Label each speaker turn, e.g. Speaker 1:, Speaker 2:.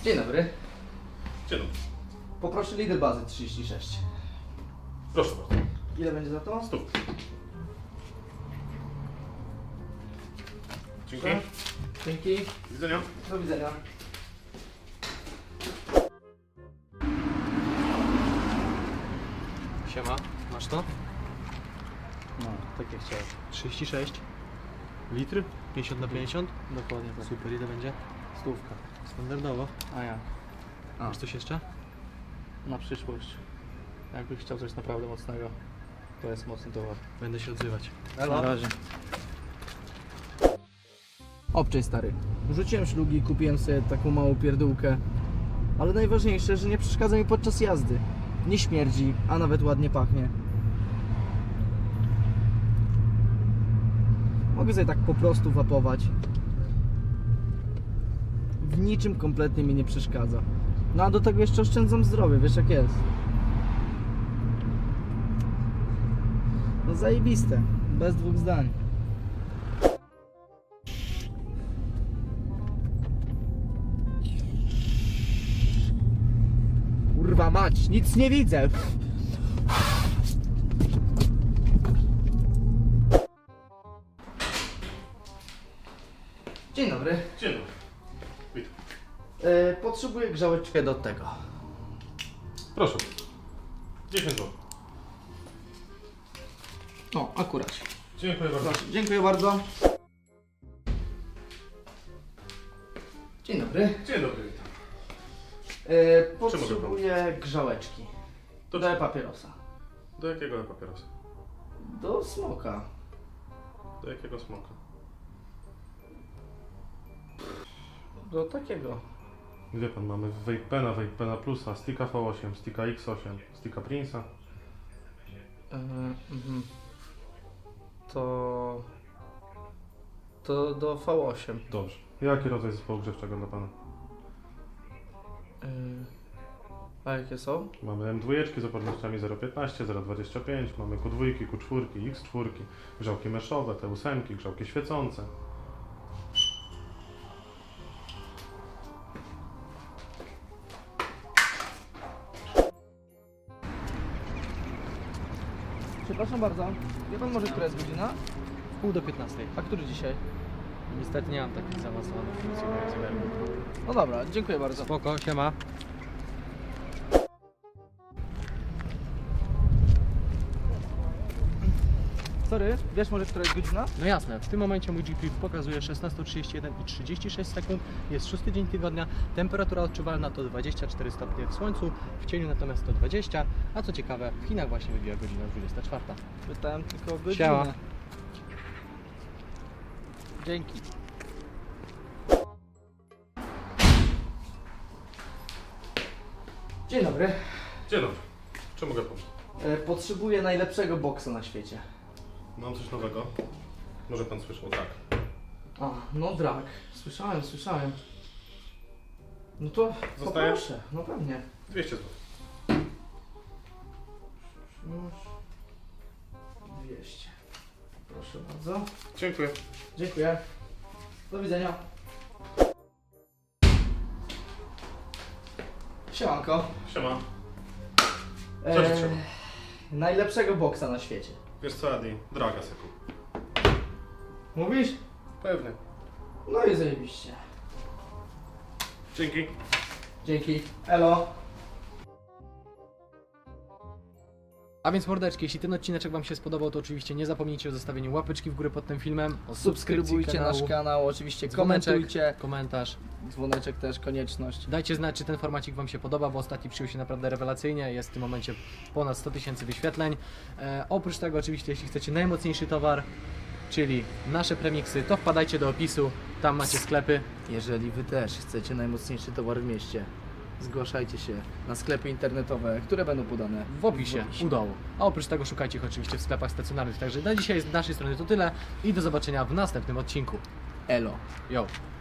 Speaker 1: Dzień dobry.
Speaker 2: Dzień dobry.
Speaker 1: Poproszę lider bazy 36.
Speaker 2: Proszę bardzo.
Speaker 1: Ile będzie za to?
Speaker 2: 100. Dzięki.
Speaker 1: Dzięki.
Speaker 2: Do widzenia.
Speaker 1: Do widzenia.
Speaker 3: Siema, masz to?
Speaker 1: No, tak jak chciałem.
Speaker 3: 36 litry? 50 na 50?
Speaker 1: Dokładnie tak.
Speaker 3: Super, ile będzie?
Speaker 1: Stówka.
Speaker 3: Standardowo.
Speaker 1: A ja. A,
Speaker 3: Masz coś jeszcze?
Speaker 1: na przyszłość. Jakbyś chciał coś naprawdę mocnego, to jest mocny towar.
Speaker 3: Będę się odzywać.
Speaker 1: Na razie. Obczaj stary. Rzuciłem szlugi, kupiłem sobie taką małą pierdółkę. Ale najważniejsze, że nie przeszkadza mi podczas jazdy. Nie śmierdzi, a nawet ładnie pachnie. Mogę sobie tak po prostu wapować. W niczym kompletnie mi nie przeszkadza. No a do tego jeszcze oszczędzam zdrowie, wiesz jak jest. No zajebiste, bez dwóch zdań. Kurwa mać, nic nie widzę. Dzień dobry.
Speaker 2: Dzień dobry. Witam.
Speaker 1: Potrzebuję grzałeczkę do tego.
Speaker 2: Proszę. 10 zł.
Speaker 1: No, akurat.
Speaker 2: Dziękuję bardzo.
Speaker 1: Proszę, dziękuję bardzo. Dzień dobry.
Speaker 2: Dzień dobry, witam.
Speaker 1: Potrzebuję grzałeczki.
Speaker 2: Do
Speaker 1: Do papierosa.
Speaker 2: Do jakiego papierosa?
Speaker 1: Do smoka.
Speaker 2: Do jakiego smoka?
Speaker 1: Do takiego.
Speaker 2: Gdzie pan mamy? Vapena Plusa, Sticka V8, Sticka X8, Sticka Prince'a.
Speaker 1: To do V8.
Speaker 2: Dobrze. Jaki rodzaj zespołu grzewczego dla pana?
Speaker 1: A jakie są?
Speaker 2: Mamy M2 z opornościami 0,15, 0,25, mamy Q2, Q4, X4, grzałki meszowe, T8, grzałki świecące.
Speaker 1: Przepraszam bardzo. Wie pan może, która jest godzina?
Speaker 3: Pół do 15.
Speaker 1: A który dzisiaj?
Speaker 3: Niestety nie mam takich zaawansowanych funkcji w moim zegarku.
Speaker 1: No dobra, dziękuję bardzo.
Speaker 3: Spoko, siema.
Speaker 1: Sorry, wiesz może, która jest godzina?
Speaker 3: No jasne, w tym momencie mój GPS pokazuje 16:31 i 36 sekund. Jest 6 dzień tygodnia, temperatura odczuwalna to 24 stopnie w słońcu, w cieniu natomiast to 20, a co ciekawe, w Chinach właśnie wybija godzina 24.
Speaker 1: Pytałem tylko o godzinę.
Speaker 3: Siema.
Speaker 1: Dzięki. Dzień dobry.
Speaker 2: Dzień dobry. Czy mogę pomóc?
Speaker 1: Potrzebuję najlepszego boksa na świecie.
Speaker 2: Mam coś nowego. Może pan słyszał, tak.
Speaker 1: A, no drag. Słyszałem. No to
Speaker 2: Zostaje?
Speaker 1: poproszę, no pewnie.
Speaker 2: 200 zł.
Speaker 1: Już 200. Proszę bardzo.
Speaker 2: Dziękuję.
Speaker 1: Dziękuję. Do widzenia. Siemanko.
Speaker 2: Siema. Co ci trzeba?
Speaker 1: Najlepszego boksa na świecie.
Speaker 2: Wiesz co, Adi? Draga se kup.
Speaker 1: Mówisz?
Speaker 2: Pewnie.
Speaker 1: No i zajebiście.
Speaker 2: Dzięki.
Speaker 1: Dzięki. Elo.
Speaker 3: A więc mordeczki, jeśli ten odcineczek Wam się spodobał, to oczywiście nie zapomnijcie o zostawieniu łapeczki w górę pod tym filmem, o
Speaker 1: Subskrybujcie nasz kanał, oczywiście
Speaker 3: dzwoneczek,
Speaker 1: komentujcie.
Speaker 3: komentarz.
Speaker 1: Dzwoneczek też konieczność.
Speaker 3: Dajcie znać, czy ten formacik Wam się podoba, bo ostatni przyjął się naprawdę rewelacyjnie. Jest w tym momencie ponad 100 000 wyświetleń. Oprócz tego oczywiście, jeśli chcecie najmocniejszy towar, czyli nasze premiksy, to wpadajcie do opisu, tam macie sklepy.
Speaker 1: Jeżeli Wy też chcecie najmocniejszy towar w mieście, zgłaszajcie się na sklepy internetowe, które będą podane
Speaker 3: W opisie, u dołu. A oprócz tego szukajcie ich oczywiście w sklepach stacjonarnych. Także na dzisiaj z naszej strony to tyle i do zobaczenia w następnym odcinku.
Speaker 1: Elo.
Speaker 3: Yo!